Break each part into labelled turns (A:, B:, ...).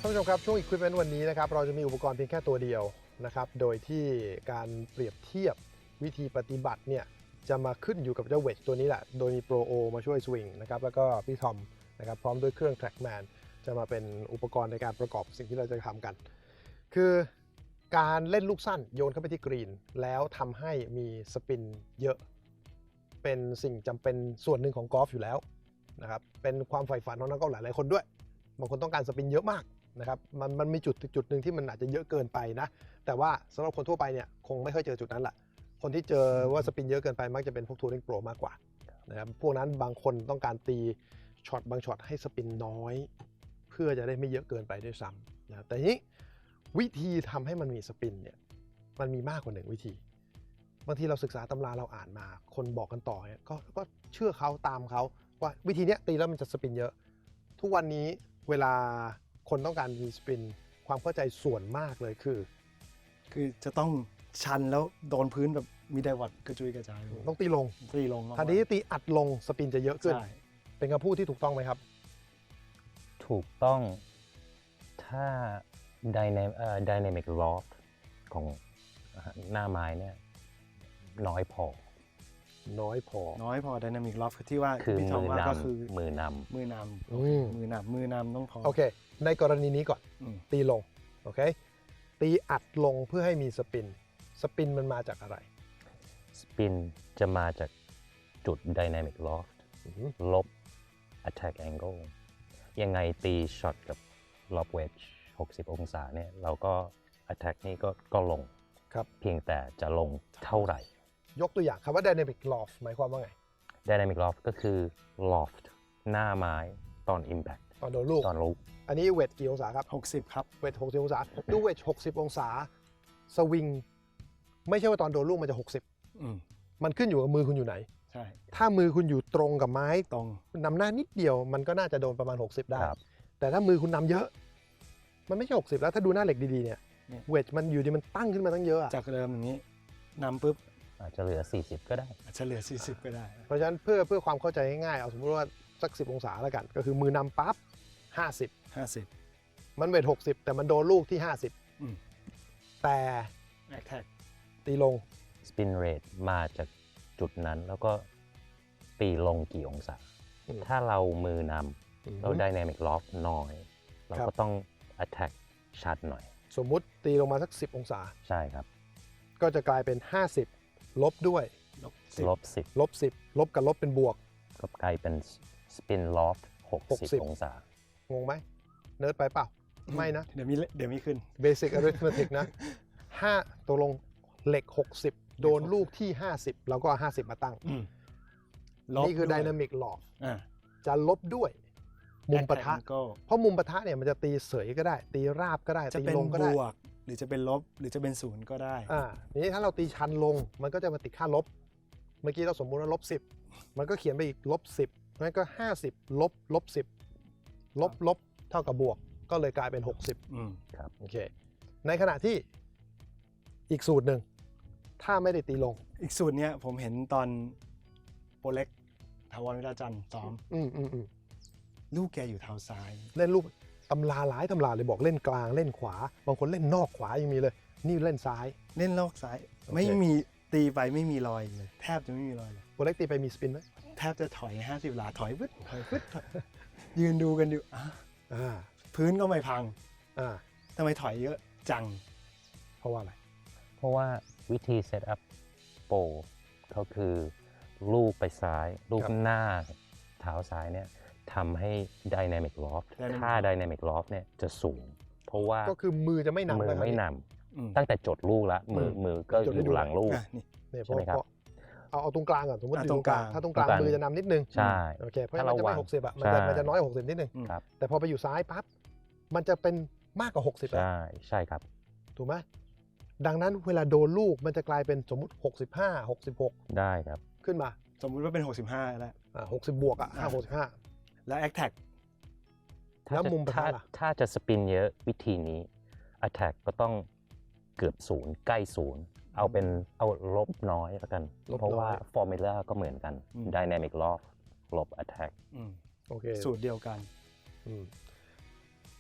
A: านผู้ชมครับช่วง Equipment วันนี้นะครับเราจะมีอุปกรณ์เพียงแค่ตัวเดียวนะครับโดยที่การเปรียบเทียบวิธีปฏิบัติเนี่ยจะมาขึ้นอยู่กับเจ้าเวจตัวนี้แหละโดยมี Pro O มาช่วยสวิงนะครับแล้วก็พี่ทอมนะครับพร้อมด้วยเครื่อง Trackman จะมาเป็นอุปกรณ์ในการประกอบสิ่งที่เราจะทำกันคือการเล่นลูกสั้นโยนเข้าไปที่กรีนแล้วทำให้มีสปินเยอะเป็นสิ่งจำเป็นส่วนหนึ่งของกอล์ฟอยู่แล้วนะครับเป็นความใฝ่ฝันของนักกอล์ฟหลายๆคนด้วยบางคนต้องการสปินเยอะมากนะครับมันมีจุดหนึ่งที่มันอาจจะเยอะเกินไปนะแต่ว่าสำหรับคนทั่วไปเนี่ยคงไม่ค่อยเจอจุดนั้นแหละคนที่เจอว่าสปินเยอะเกินไปมักจะเป็นพวกทัวริงโปรมากกว่านะครับพวกนั้นบางคนต้องการตีช็อตบางช็อตให้สปินน้อยเพื่อจะได้ไม่เยอะเกินไปด้วยซ้ำนะแต่ทีนี้วิธีทำให้มันมีสปินเนี่ยมันมีมากกว่า1วิธีบางทีเราศึกษาตำราเราอ่านมาคนบอกกันต่อเนี่ยก็เชื่อเขาตามเขาว่าวิธีนี้ตีแล้วมันจะสปินเยอะทุกวันนี้เวลาคนต้องการมีสปินความเข้าใจส่วนมากเลยคือ
B: จะต้องชันแล้วโดนพื้นแบบมีไดวัดกระจุยกระจาย
A: ต้องตีลงทันทีที่ตีอัดลงสปินจะเยอะขึ้นเป็นคำพูดที่ถูกต้องไหมครับ
C: ถูกต้องถ้า dynamic loft ของหน้าไม้เนี่ยน้อยพอ
B: dynamic loft ที่ว่า
C: คือ
B: มือนำก็คือ
C: มือน
B: ำต้องพอ
A: โอเคในกรณีนี้ก่อนตีลงโอเคตีอัดลงเพื่อให้มีสปินมันมาจากอะไร
C: สปินจะมาจากจุด dynamic loft ลบ attack angle ยังไงตีช็อตกับ lob wedge 60 องศาเนี่ยเราก็ attack นี่ก็ลง
A: ครับ
C: เพียงแต่จะลงเท่าไหร่
A: ยกตัวอย่างคำว่า dynamic loft หมายความว่าไง
C: dynamic loft ก็คือ loft หน้าไม้ตอน impact
A: ตอนโดนลูกอันนี้เวทกี่องศาครับ
B: 60ครับ
A: เวท60องศาดูเวท60องศาสวิงไม่ใช่ว่าตอนโดนลูกมันจะ60มันขึ้นอยู่กับมือคุณอยู่ไหน
B: ใช่
A: ถ้ามือคุณอยู่ตรงกับไม้
B: ตรง
A: นำหน้านิดเดียวมันก็น่าจะโดนประมาณ60ได้แต่ถ้ามือคุณนำเยอะมันไม่ใช่60แล้วถ้าดูหน้าเหล็กดีๆเนี่ยเวทมันอยู่ดีมันตั้งขึ้นมาตั้งเยอะ
B: จากเดิมอย่างนี้นำปุ๊บ
C: อาจจะเหลือ40ก็ได้
B: อาจจะเหลือ40ก็ได้
A: เพราะฉะนั้นเพื่อความเข้าใจง่ายๆเอาสมมติว่าสัก10องศาแล้วกันก็คือมือนำปั๊บ50มันเวท60แต่มันโดนลูกที่50แต่ตีลง
C: spin rate มาจากจุดนั้นแล้วก็ตีลงกี่องศาถ้าเรามือนำเรา dynamic loft น้อยเราก็ต้อง attack ชัดหน่อย
A: สมมุติตีลงมาสัก10องศา
C: ใช่ครับ
A: ก็จะกลายเป็น50ลบด้วย
C: ลบ10
A: ลบกับลบเป็นบวก
C: ก็กลายเป็น spin loft 60องศาง
A: งไหมเนิร์ดไปเปล่าไม่นะ
B: เดี๋ยวมีขึ้น
A: Basic Arithmetic นะ5ตัวลงเหล็ก60โดนลูกที่50เราก็เอา50มาตั้งนี่คือ Dynamic Loft จะลบด้วยมุมปะทะเพราะมุมปะทะเนี่ยมันจะตีเสยก็ได้ตีราบก็ได้ตีลงก็ได้
B: จะเป็นบวกหรือจะเป็นลบหรือจะเป็นศูนย์ก็ได้
A: ทีนี้ถ้าเราตีชันลงมันก็จะมาติดค่าลบเมื่อกี้เราสมมุติว่า10มันก็เขียนไปอีก10งั้นก็50ลบ10ลบเท่ากับบวกก็เลยกลายเป็น60
C: ครับ
A: โอเคในขณะที่อีกสูตรหนึ่งถ้าไม่ได้ตีลง
B: อีกสูตรเนี้ยผมเห็นตอนโปรเล็กถาวรวิราจันทร์ซ้อมลูกแกอยู่เท้าซ้าย
A: เล่นลูกตำราหลายตำราเลยบอกเล่นกลางเล่นขวาบางคนเล่นนอกขวายังมีเลยนี่เล่นซ้าย
B: เล่นนอกซ้ายไม่มีตีไปไม่มีรอยเลยแทบจะไม่มีรอยเลย
A: โปรเล็กตีไปมีสปินไหม
B: แทบจะถอย50หลาถอยฟึดยืนดูกันอยู่พื้นก็ไม่พังทำไมถอยเยอะจัง
A: เพราะว่าอะไร
C: เพราะว่าวิธีเซตอัพโปรเขาคือลูกไปซ้ายลูกหน้าเท้าซ้ายเนี่ยทำให้ dynamic loft ถ้า dynamic loft เนี่ยจะสูงเพราะว่า
A: ก็คือมือจะไม่นำ
C: มือไม่นำตั้งแต่จดลูกแล้วมือก็อยู่หลังลูก
A: ใช่ไหมครับเอาตรงกลางก่อนสมมติอยู่ตรงกลางถ้าตรงกลางมือจะนำนิดนึง
C: ใช่
A: โอเคเพราะมันจะไม่60อ่ะมันจะน้อยกว่า60นิดนึงแต่พอไปอยู่ซ้ายปั๊บมันจะเป็นมากกว่า60
C: ใช่ครับ
A: ถูกไหมดังนั้นเวลาโดนลูกมันจะกลายเป็นสมมติ65 66
C: ได้ครับ
A: ขึ้นมา
B: สมมุติว่าเป็น65แล้ว
A: 60บวกอ่ะ65
B: แล้ว attack
A: แล้วมุมปะทะ
C: ถ้าจะสปินเยอะวิธีนี้ attack ก็ต้องเกือบ0ใกล้0เอาลบน้อยแล้วกันเพราะว่า formula ก็เหมือนกัน dynamic loft ลบ attack
A: โอเค
B: สูตรเดียวกัน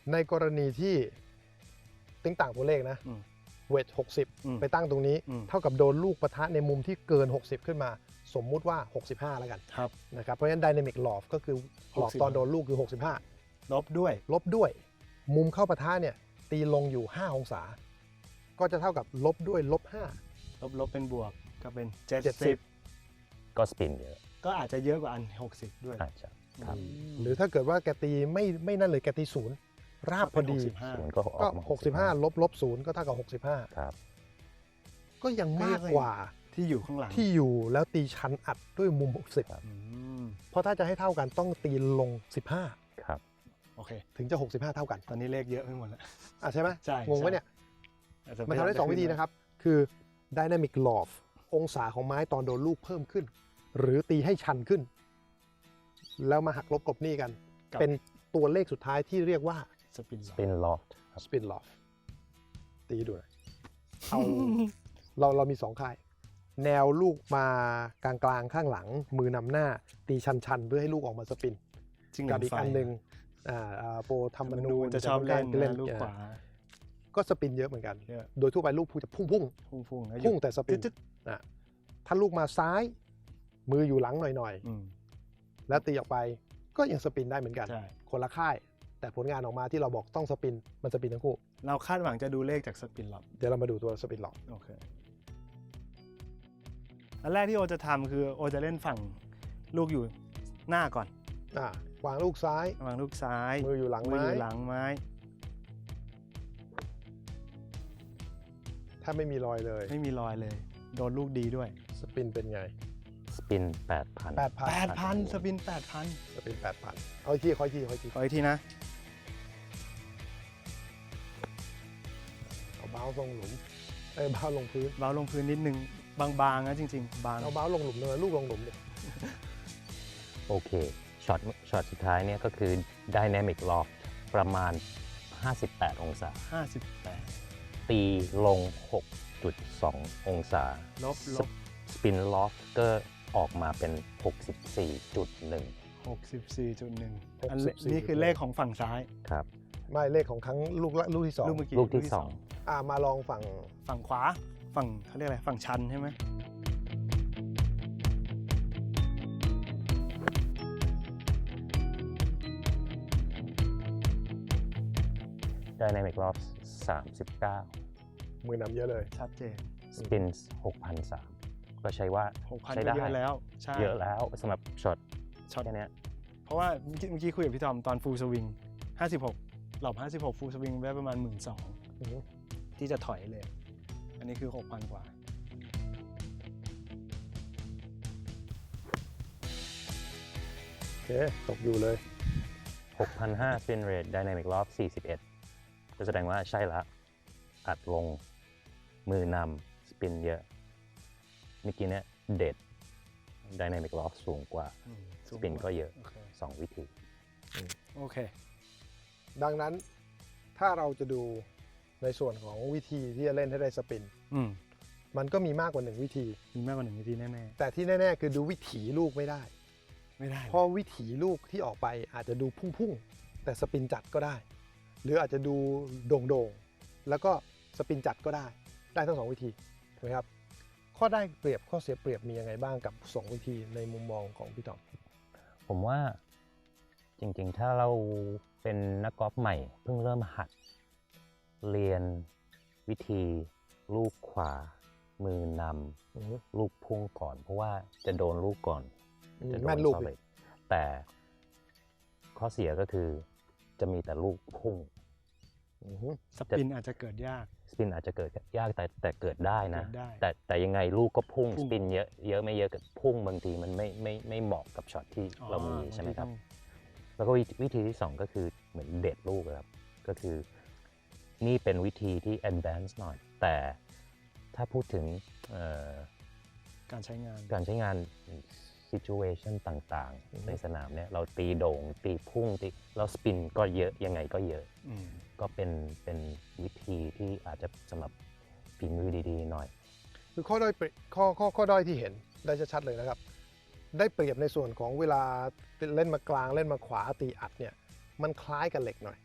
A: ในกรณีที่ติ้งต่างตัวเลขนะ
B: อืม
A: เวท
B: อืม
A: 60 ไปตั้งตรงนี้
B: อืม
A: เท่ากับโดนลูกปะทะในมุมที่เกิน 60 ขึ้นมา สมมุติว่า 65 แล้วกัน
B: ครับ
A: นะครับ เพราะฉะนั้น Dynamic Loft ก็คือหลอกตอนโดนลูกคือ 65
B: ลบด้วย
A: ลบด้วย มุมเข้าปะทะเนี่ยตีลงอยู่ 5 องศา ก็จะเท่ากับลบด้วยลบ
B: ลบเป็นบวกก็เป็น
A: 70
C: ก็สปินเยอะ
B: 70 ก็อาจจะเยอะกว่าอัน 60 ด้วย
C: อาจจะครับ
A: 5 หรือถ้าเกิดว่าแกตีไม่นั่นเลยแกตีศูนย์ราบพอดี
C: ศูนย์ก็อ
A: ก็
C: อกมา
A: 65 ลบ0ก็เท่ากับ
C: ครับ
A: 65 ก็ยังมากกว่า
B: ที่อยู่ข้างหลัง
A: ที่อยู่แล้วตีชันอัดด้วยมุม 60
B: อืม
A: เพราะถ้าจะให้เท่ากันต้องตีลง
C: ครับ
B: โอเค
A: 15 ถึงจะ 65 เท่ากัน
B: ตอนนี้เลขเยอะไปหมดแล้ว
A: อ่ะใช่ไหม
B: ใช่
A: งงไหมเนี่ย
B: อาจจะ
A: มันทำได้ 2 วิธีนะครับ คือ Dynamic Loft องศาของไม้ตอนโดนลูกเพิ่มขึ้น หรือตีให้ชันขึ้น แล้วมาหักลบกลบหนี้กัน เป็นตัวเลขสุดท้ายที่เรียกว่า
B: สปิน
C: สปินลอฟครับ
A: Spin Loft ตีให้ดูหน่อยเอา เรามี 2 ค่าย แนวลูกมากลางๆข้างหลัง มือนำหน้า ตีชันๆ เพื่อให้ลูกออกมาสปิน
B: จริง
A: กับอีก
B: ไฟ
A: อันหนึ่งโปรธรรม
B: มัน
A: นู
B: ดู
A: ญ
B: จะชอบเล่น
A: เล่น
B: นะลูกขวา
A: ก็สปินเยอะเหมือนกัน
B: เยอะ
A: โดยทั่วไปลูกจะพุ่ง
B: พุ่งๆแล้ว
A: พุ่งแต่สปิน
B: จึ๊ด
A: อ่ะถ้าลูกมาซ้าย มืออยู่หลังหน่อย
B: ๆอืม
A: ๆ แล้วตีออกไปก็ยังสปินได้เหมือนกัน
B: ใช่
A: คนละค่าย แต่ผลงานออกมาที่เราบอกต้องสปิน มันสปินทั้งคู่
B: เราคาดหวังจะดูเลขจากสปินหรอก
A: เดี๋ยวเรามาดูตัวสปินหลอก
B: โอเค อันแรกที่โอจะทำคือโอจะเล่นฝั่งลูกอยู่หน้าก่อน
A: วางลูกซ้าย
B: วางลูกซ้าย
A: มืออยู่หลัง
B: มือ
A: ไม้
B: อยู่หลังไม้
A: ถ้าไม่มีรอยเลย
B: ไม่มีรอยเลย โดนลูกดีด้วย
A: สปินเป็นไง
C: สปิน 8,000
A: 8,000
B: 8,000 สปิน 8,000
A: สปิน 8,000 เอาอีกทีขออีกที
B: ขออีกทีนะ
A: เอาเบ้าลงหลุมเบ้าลงพื้น
B: เบาลงพื้นนิดนึง บางๆนะจริงๆ บาง
A: เอาเบ้าลงหลุมเลยลูกลงหลุมเลย
C: โอเค ช็อตสุดท้ายเนี่ยก็คือ Dynamic Loft ประมาณ 58 องศา
B: 58
C: ตีลง 6.2 องศา
B: ลบ
C: สปินลอฟก็ออกมาเป็น 64.1
B: 64.1 อันนี่คือเลขของฝั่งซ้าย
C: ครับ
A: ไม่เลขของครั้งลูกที่
B: ลูกเมื่อกี้
C: ลูกที่
B: ที่
C: 2
A: มาลองฝั่ง
B: ฝั่งขวา ฝั่งเขาเรียกอะไร ฝั่งชันใช่ไหม
C: Dynamic Loft 39
A: มือนำเยอะเลย
B: ชัดเจน
C: สปิน 6,300 ก็ใช้ว่า
B: 6,000
C: ใช้
B: ก็
C: ได้
B: เยอะแล้ว ใช่
C: เยอะแล้วสำหรับช็อต
B: ช็อต
C: แค่เนี้ย
B: เพราะว่าเมื่อกี้คุยกับพี่ทอมตอนฟูลสวิง 56 หลอบ 56 ฟูลสวิงได้ประมาณ 12,000 ที่จะถอยเลย อันนี้คือ 6,000 กว่า
A: โอเค ตกอยู่เลย
C: 6,500 spin rate Dynamic Loft 41 ก็แสดงว่าใช่ละอัดลงมือนำสปินเยอะเมื่อกี้เนี่ยเด็ด Dynamic Loft สูงกว่า สปินก็เยอะ
B: โอเค
C: 2 วิธี
B: โอเค
A: ดังนั้นถ้าเราจะดูในส่วนของวิธีที่จะเล่นให้ได้สปิน
B: อืม
A: มันก็มีมากกว่า 1 วิธี
B: มีมากกว่า1วิธีแน่
A: แต่ที่แน่ ๆ คือดูวิถีลูกไม่ได้
B: ๆ ไม่ได้
A: เพราะวิถีลูกที่ออกไปอาจจะดูพุ่งๆ แต่สปินจัดก็ได้ หรืออาจจะดูโด่งๆ แล้วก็สปินจัดก็ได้ ได้ทั้ง 2 วิธีถูกไหมครับ ข้อได้เปรียบข้อเสียเปรียบมียังไงบ้างกับ 2 วิธีในมุมมองของพี่ต๋อม
C: ผมว่าจริงๆ ถ้าเราเป็นนักกอล์ฟใหม่เพิ่งเริ่มหัด เรียนวิธีลูกขวา มือนำลูกพุ่งก่อน เพราะว่าจะโดนลูกก่อนจะโด
A: แม่
C: น
A: นลูก
C: solid แต่ข้อเสียก็คือจะมีแต่ลูกพุ่ง
B: สปินอาจจะเกิดยาก
C: สปินอาจจะเกิดยากแต่เกิดได้นะ
B: เกิดได้
C: แต่ยังไงลูกก็พุ่ง
B: พุ่
C: ส
B: ง
C: ปินเยอะไม่เยอะกับพุ่งบางทีมันไม่เหมาะกับช็อตที่เรามีใช่ไหมครับ แล้วก็วิธีที่ 2 ก็คือเหมือนเด็ดลูกครับ ก็คือนี่เป็นวิธีที่ advanced หน่อย แต่ถ้าพูดถึง
B: การใช้งาน
C: การใช้งาน situation ต่างๆ ในสนามเนี่ยเราตีโด่งตีพุ่งตีแล้วสปินก็เยอะยังไงก็เยอะ
B: อืม
C: ก็เป็นวิธีที่อาจจะสำหรับฝีมือดีๆหน่อย
A: คือข้อด้อยข้อด้อยที่เห็นได้ชัดๆเลยนะครับ ได้เปรียบในส่วนของเวลาเล่นมากลางเล่นมาขวาตีอัดเนี่ยมันคล้ายกับเหล็กหน่อย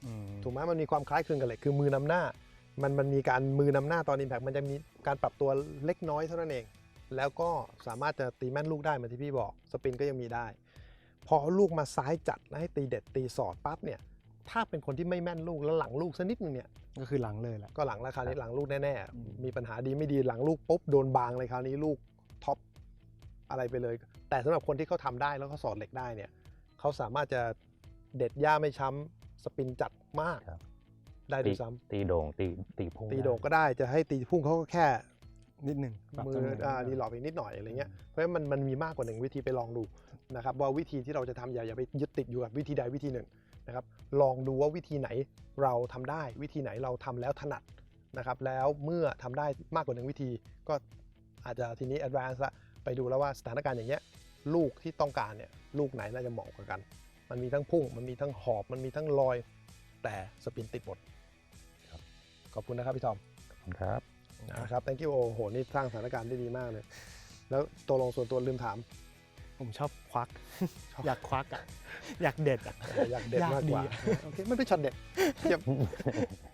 B: อืม
A: ถูกไหมมันมีความคล้ายคลึงกันเลยคือมือนำหน้ามันมีการมือนำหน้าตอน Impact มันจะมีการปรับตัวเล็กน้อยเท่านั้นเอง แล้วก็สามารถจะตีแม่นลูกได้เหมือนที่พี่บอกสปินก็ยังมีได้ พอเอาลูกมาซ้ายจัดแล้วให้ตีเด็ดตีสอดปั๊บเนี่ยถ้าเป็นคนที่ไม่แม่นลูกแล้วหลังลูกสักนิดนึงเนี่ย
B: ก็คือหลังเลยแหละ
A: ก็หลังแล้วคราวนี้หลังลูกแน่
B: อืม
A: ๆมีปัญหาดีไม่ดีหลังลูกปุ๊บโดนบางเลยคราวนี้ลูกท็อปอะไรไปเลย แต่สำหรับคนที่เขาทำได้แล้วเขาสอดเหล็กได้เนี่ยเขาสามารถจะเด็ดหญ้าไม่ช้ำสปินจัดมาก
C: ครับ
A: ได้ด้วยซ้ำ
C: ตีโด่งตีพุ่ง
A: ตีโด่งก็ได้จะให้ตีพุ่งเขาก็แค่
B: นิดหนึ่งปรับ
A: มื
B: ตำ
A: อ
B: แหน่ง
A: ดีหลอกอีกนิดหน่อยอะไรเงี้ยเพราะฉะนั้นมันมีมากกว่าหนึ่งวิธีไปลองดูนะครับว่าวิธีที่เราจะทำอย่าไปยึดติดอยู่กับวิธีใดวิธีหนึ่งนะครับลองดูว่าวิธีไหนเราทำได้วิธีไหนเราทำแล้วถนัดนะครับแล้วเมื่อทำได้มากกว่าหนึ่งวิธีก็อาจจะทีนี้ advance ละไปดูแล้วว่าสถานการณ์อย่างเงี้ยลูกที่ต้องการเนี่ยลูกไหนน่าจะเหมาะกว่ากัน มันมีทั้งพุ่งมันมีทั้งหอบมันมีทั้งลอยแต่สปินติดหมดขอบคุณนะครับพี่ทอม
C: ครับ
A: นะครับ thank you โอ้โห นี่สร้างสถานการณ์ได้ดีมากเลย แล้วตัวลงส่วนตัวลืมถาม
B: ผมชอบควัก อยากควักอ่ะ อยากเด็ดอ่ะ
A: อยากเด็ดมากกว่า
B: อยากดี
A: โอเค มันเป็นช็อตเด็ดเยี่ยม